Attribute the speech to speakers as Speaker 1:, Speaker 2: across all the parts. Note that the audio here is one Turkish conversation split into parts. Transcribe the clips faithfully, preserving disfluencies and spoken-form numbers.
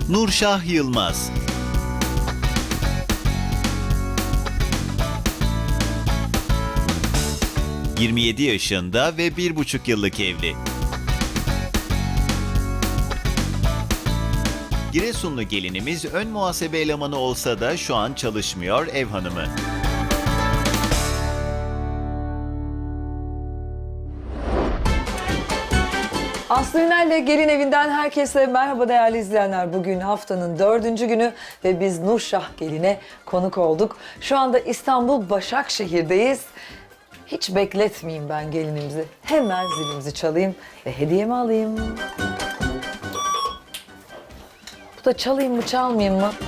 Speaker 1: Nurşah Yılmaz. yirmi yedi yaşında ve bir buçuk yıllık evli. Giresunlu gelinimiz ön muhasebe elemanı olsa da şu an çalışmıyor, ev hanımı.
Speaker 2: Aslı Ünal'le Gelin Evi'nden herkese merhaba değerli izleyenler. Bugün haftanın dördüncü günü ve biz Nurşah Gelin'e konuk olduk. Şu anda İstanbul Başakşehir'deyiz. Hiç bekletmeyeyim ben gelinimizi. Hemen zilimizi çalayım ve hediyemi alayım. Bu da çalayım mı çalmayayım mı?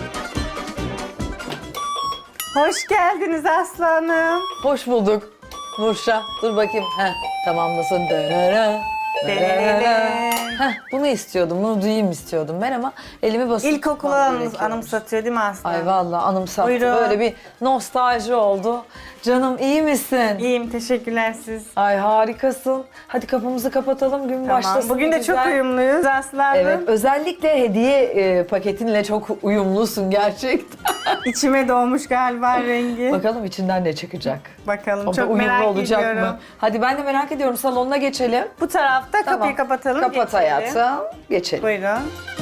Speaker 3: Hoş geldiniz aslanım.
Speaker 2: Hoş bulduk Nurşah. Dur bakayım. Heh, tamamlasın. Dönere. Heh, bunu istiyordum, bunu duyayım istiyordum ben ama elimi basıp
Speaker 3: İlkokulu
Speaker 2: tutmam
Speaker 3: anım,
Speaker 2: gerekiyormuş.
Speaker 3: anımsatıyor değil mi aslanım?
Speaker 2: Ay vallahi anımsattı.
Speaker 3: Buyurun.
Speaker 2: Böyle bir nostalji oldu. Canım iyi misin?
Speaker 3: İyiyim, teşekkürler siz.
Speaker 2: Ay harikasın. Hadi kapımızı kapatalım, gün
Speaker 3: Tamam.
Speaker 2: başlasın.
Speaker 3: Bugün de
Speaker 2: güzel.
Speaker 3: çok uyumluyuz aslanım.
Speaker 2: Evet, özellikle hediye e, paketinle çok uyumlusun gerçekten.
Speaker 3: İçime doğmuş galiba rengi.
Speaker 2: Bakalım içinden ne çıkacak.
Speaker 3: Bakalım,
Speaker 2: O da
Speaker 3: çok
Speaker 2: uyumlu
Speaker 3: merak
Speaker 2: olacak
Speaker 3: ediyorum.
Speaker 2: mı? Hadi ben de merak ediyorum. Salonuna geçelim.
Speaker 3: Bu tarafta
Speaker 2: Tamam.
Speaker 3: kapıyı kapatalım.
Speaker 2: Kapat
Speaker 3: geçelim.
Speaker 2: hayatım. Geçelim.
Speaker 3: Buyurun.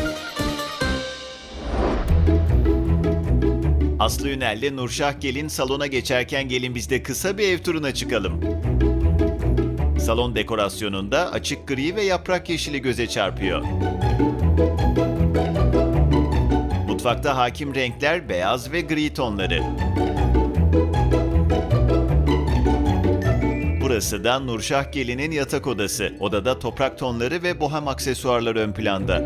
Speaker 1: Aslı Ünal'le Nurşah Gelin salona geçerken gelin biz de kısa bir ev turuna çıkalım. Salon dekorasyonunda açık gri ve yaprak yeşili göze çarpıyor. Mutfakta hakim renkler beyaz ve gri tonları. Burası da Nurşah Gelin'in yatak odası. Odada toprak tonları ve bohem aksesuarlar ön planda.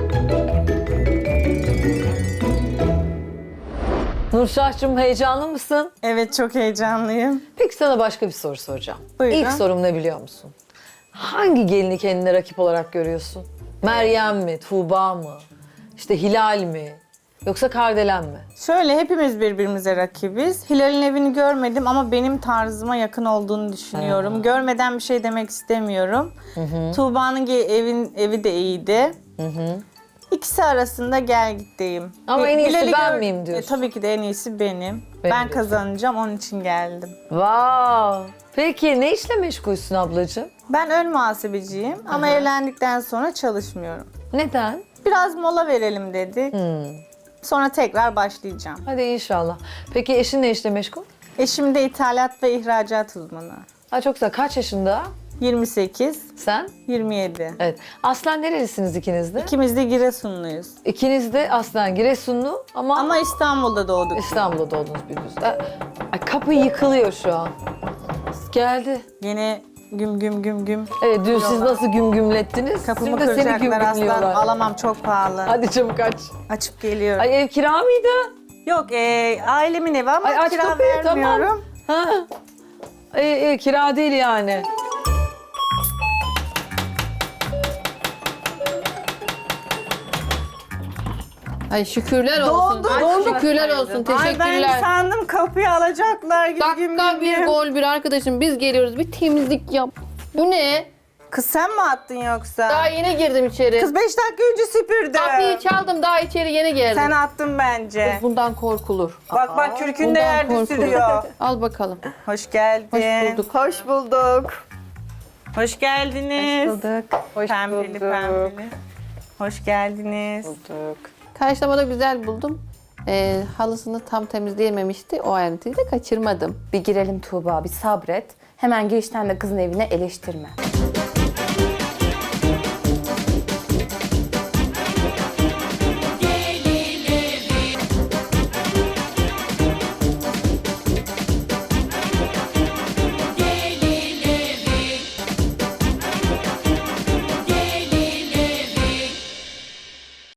Speaker 2: Nurşah'cığım heyecanlı mısın?
Speaker 3: Evet, çok heyecanlıyım.
Speaker 2: Peki sana başka bir soru soracağım.
Speaker 3: Buyurun.
Speaker 2: İlk sorum ne biliyor musun? Hangi gelini kendine rakip olarak görüyorsun? Meryem mi, Tuğba mı, işte Hilal mi, yoksa Kardelen mi?
Speaker 3: Şöyle, hepimiz birbirimize rakibiz. Hilal'in evini görmedim ama benim tarzıma yakın olduğunu düşünüyorum. Görmeden bir şey demek istemiyorum. Tuğba'nın ge- evin evi de iyiydi. İkisi arasında gel gitteyim.
Speaker 2: Ama en iyisi
Speaker 3: Hilal'i
Speaker 2: ben
Speaker 3: gör-
Speaker 2: miyim diyorsun?
Speaker 3: E, tabii ki de en iyisi benim.
Speaker 2: Ben
Speaker 3: ben
Speaker 2: diyorsun.
Speaker 3: kazanacağım, onun için geldim.
Speaker 2: Vav! Peki ne işle meşgulsün ablacığım?
Speaker 3: Ben ön muhasebeciyim ama evlendikten sonra çalışmıyorum.
Speaker 2: Neden?
Speaker 3: Biraz mola verelim dedik.
Speaker 2: Hmm.
Speaker 3: Sonra tekrar başlayacağım.
Speaker 2: Hadi inşallah. Peki eşin ne işle meşgul?
Speaker 3: Eşim de ithalat ve ihracat uzmanı.
Speaker 2: Ha çok güzel. Kaç yaşında?
Speaker 3: yirmi sekiz,
Speaker 2: Sen?
Speaker 3: yirmi yedi.
Speaker 2: Evet. Aslen nerelisiniz ikiniz de?
Speaker 3: İkimiz de Giresunluyuz.
Speaker 2: İkiniz de aslen Giresunlu ama,
Speaker 3: Ama İstanbul'da doğduk.
Speaker 2: İstanbul'da doğdunuz büyüdünüz. Ha, Ay, kapı yıkılıyor şu an. Geldi.
Speaker 3: Yine güm güm güm güm.
Speaker 2: Evet dün siz
Speaker 3: Diyorlar.
Speaker 2: nasıl güm gümlettiniz?
Speaker 3: Kapımı
Speaker 2: Şimdi de seni güm
Speaker 3: kıracaklar aslan.
Speaker 2: gümlüyorlar.
Speaker 3: Alamam, çok pahalı.
Speaker 2: Hadi çabuk aç.
Speaker 3: Açıp geliyorum.
Speaker 2: Ay ev kira mıydı?
Speaker 3: Yok, e, ailemin evi ama
Speaker 2: Ay aç
Speaker 3: kira
Speaker 2: kapıyı
Speaker 3: vermiyorum.
Speaker 2: tamam. Ha. Ay, e, kira değil yani.
Speaker 4: Ay şükürler olsun.
Speaker 3: Doldu,
Speaker 4: Ay,
Speaker 3: doldu.
Speaker 4: şükürler olsun.
Speaker 3: Ay, ben
Speaker 4: Teşekkürler.
Speaker 3: sandım kapıyı alacaklar gibi güm
Speaker 4: Dakika
Speaker 3: güm
Speaker 4: bir
Speaker 3: güm.
Speaker 4: gol bir arkadaşım biz geliyoruz bir temizlik yap. Bu ne?
Speaker 3: Kız sen mi attın yoksa?
Speaker 4: Daha yeni girdim içeri.
Speaker 3: Kız beş dakika önce süpürdü.
Speaker 4: Kapıyı çaldım daha içeri yeni geldim.
Speaker 3: Sen attın bence.
Speaker 4: Bundan korkulur.
Speaker 3: Bak bak kürkün de
Speaker 4: Bundan
Speaker 3: yerde
Speaker 4: korkulur.
Speaker 3: sürüyor.
Speaker 4: Al bakalım.
Speaker 3: Hoş geldin.
Speaker 4: Hoş bulduk.
Speaker 3: Hoş bulduk. Hoş geldiniz.
Speaker 2: Bulduk. Hoş
Speaker 3: Pembeli
Speaker 2: bulduk.
Speaker 3: pembeli. Hoş geldiniz.
Speaker 2: Bulduk.
Speaker 4: Karşılamada güzel buldum. Ee, halısını tam temizleyememişti. O ayrıntıyı da kaçırmadım.
Speaker 5: Bir girelim Tuğba, bir sabret. Hemen girişten de kızın evine eleştirme.